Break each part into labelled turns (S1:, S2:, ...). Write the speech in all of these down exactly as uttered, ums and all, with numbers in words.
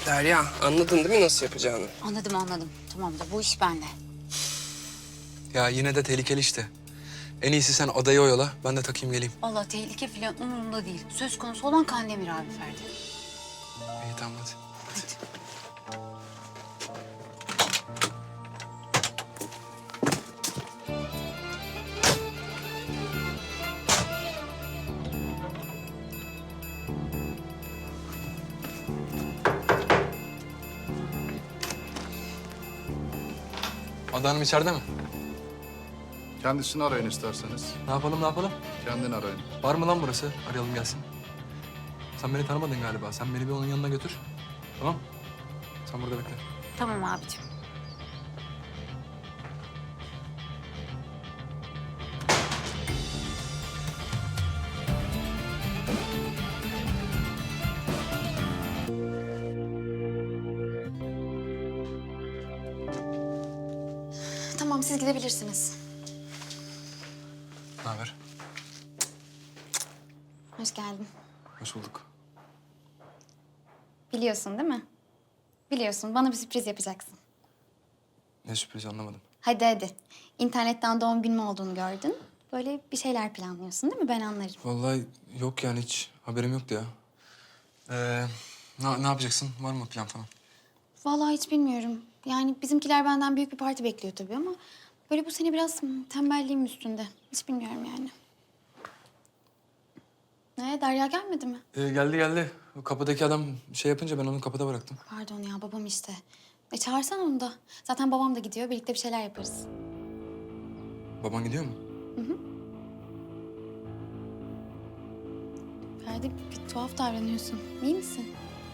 S1: Derya, anladın değil mi nasıl yapacağını?
S2: Anladım anladım. Tamamdır, bu iş bende.
S3: Ya yine de tehlikeli işte. En iyisi sen adayı oyala, ben de takayım geleyim.
S2: Vallahi tehlike falan umurumda değil. Söz konusu olan Kandemir abi Ferdi.
S3: İyi tamam hadi.
S2: Hadi.
S3: Ada Hanım içeride mi?
S4: Kendisini arayın isterseniz.
S3: Ne yapalım ne yapalım?
S4: Kendini arayın.
S3: Var mı lan burası? Arayalım gelsin. Sen beni tanımadın galiba. Sen beni bir onun yanına götür. Tamam? Sen burada bekle.
S2: Tamam abicim.
S5: Tamam, siz gidebilirsiniz.
S3: Ne haber?
S5: Hoş geldin.
S3: Hoş bulduk.
S5: Biliyorsun değil mi? Biliyorsun, bana bir sürpriz yapacaksın.
S3: Ne sürpriz anlamadım.
S5: Hadi hadi. İnternetten doğum günüm olduğunu gördün. Böyle bir şeyler planlıyorsun değil mi? Ben anlarım.
S3: Vallahi yok yani hiç haberim yoktu ya. Ee, ne, ne yapacaksın? Var mı plan falan?
S5: Vallahi hiç bilmiyorum. Yani bizimkiler benden büyük bir parti bekliyor tabii ama... ...böyle bu sene biraz hmm, tembelliğim üstünde. Hiç bilmiyorum yani. Ne, Derya gelmedi mi?
S3: Ee, geldi geldi. O kapıdaki adam şey yapınca ben onu kapıda bıraktım.
S5: Pardon ya, babam işte. E çağırsan onu da. Zaten babam da gidiyor, birlikte bir şeyler yaparız.
S3: Baban gidiyor mu?
S5: Ferdi, bir tuhaf davranıyorsun. İyi misin?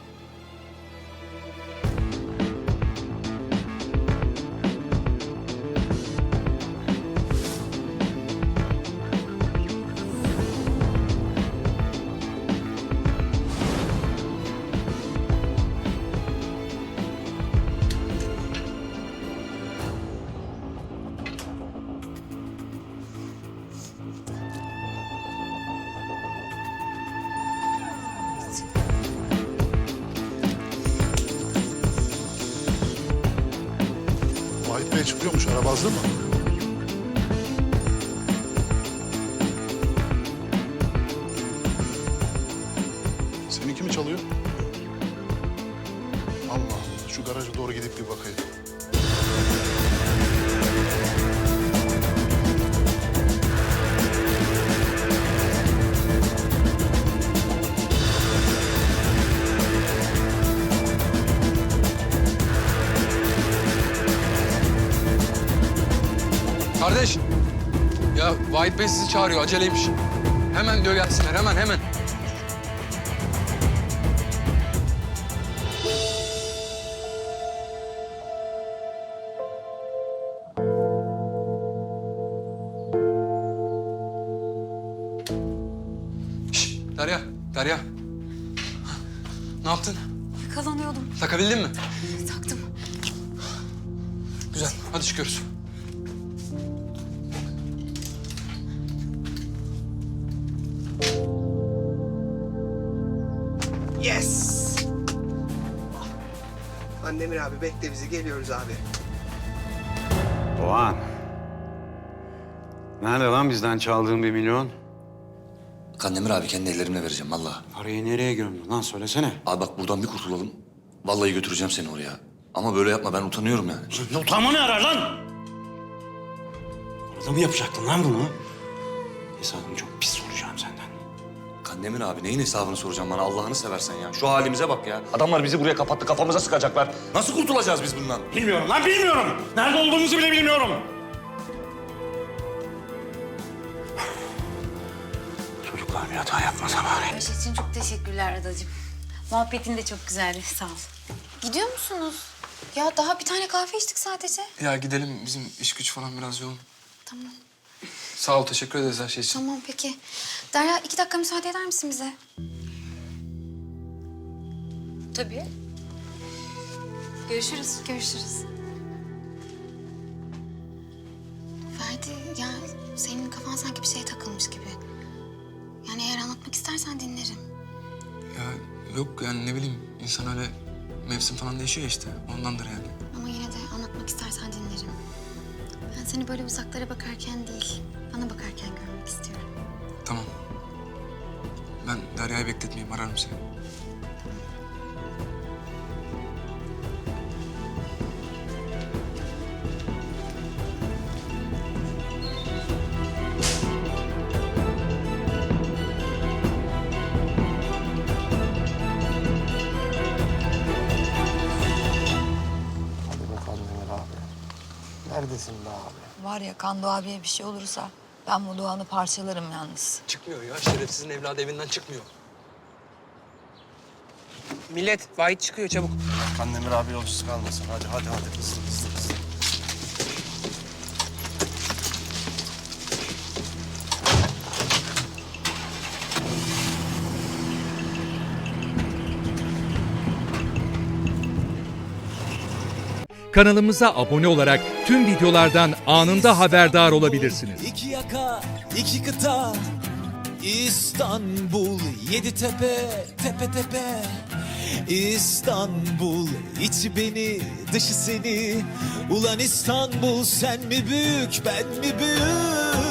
S4: Vahit Bey çıkıyormuş. Araba hazır mı? Seninki mi çalıyor? Allah Allah. Şu garaja doğru gidip bir bakayım.
S3: Kardeş! Ya Vahit Bey sizi çağırıyor. Aceleymiş. Hemen diyor gelsinler. Hemen hemen. Şişt, Derya, Derya. Ne yaptın?
S2: Yakalanıyordum.
S3: Takabildin mi?
S2: Taktım.
S3: Güzel. Hadi çıkıyoruz.
S1: Yes! Kandemir abi bekle bizi, geliyoruz abi.
S6: Doğan. Nerede lan bizden çaldığın bir milyon?
S7: Kandemir abi kendi ellerimle vereceğim vallahi.
S6: Parayı nereye gömdün lan söylesene.
S7: Abi bak buradan bir kurtulalım. Vallahi götüreceğim seni oraya. Ama böyle yapma, ben utanıyorum yani.
S6: Ne utanma ne arar lan? Orada mı yapacaktın lan bunu? Hesabını çok pis soracağım senden.
S7: Kandemir abi neyin hesabını soracağım bana, Allah'ını seversen ya. Şu halimize bak ya. Adamlar bizi buraya kapattı, kafamıza sıkacaklar. Nasıl kurtulacağız biz bundan?
S6: Bilmiyorum lan bilmiyorum. Nerede olduğumuzu bile bilmiyorum. Çocuklar bir hata yapmasa bari.
S2: Her şey için çok teşekkürler adacığım. Muhabbetin de çok güzeldi, sağ ol.
S5: Gidiyor musunuz? Ya daha bir tane kahve içtik sadece.
S3: Ya gidelim. Bizim iş güç falan biraz yoğun.
S5: Tamam.
S3: Sağ ol. Teşekkür ederiz her şey için.
S5: Tamam peki. Derya, iki dakika müsaade eder misin bize?
S2: Tabii. Görüşürüz.
S5: Görüşürüz. Ferdi, ya senin kafan sanki bir şeye takılmış gibi. Yani eğer anlatmak istersen dinlerim.
S3: Ya yok yani ne bileyim insan öyle Mevsim falan değişiyor ya işte. Ondandır yani.
S5: Ama yine de anlatmak istersen dinlerim. Ben seni böyle uzaklara bakarken değil, bana bakarken görmek istiyorum.
S3: Tamam. Ben Derya'yı bekletmeyeyim. Ararım seni.
S8: Hadi be Kandemir abi. Neredesin be abi?
S9: Var ya Kando abiye bir şey olursa ben bu Doğan'ı parçalarım yalnız.
S3: Çıkmıyor ya. Şerefsizin evladı evinden çıkmıyor.
S1: Millet, Vahit çıkıyor çabuk.
S8: Kandemir abi yolcusu kalmasın. Hadi hadi hadi. Hızlı hızlı hızlı.
S10: Kanalımıza abone olarak tüm videolardan anında haberdar olabilirsiniz.
S11: İki yaka, iki kıta, İstanbul, yedi tepe, tepe tepe. İstanbul, içi beni, dışı seni. Ulan İstanbul, sen mi büyük, ben mi büyük?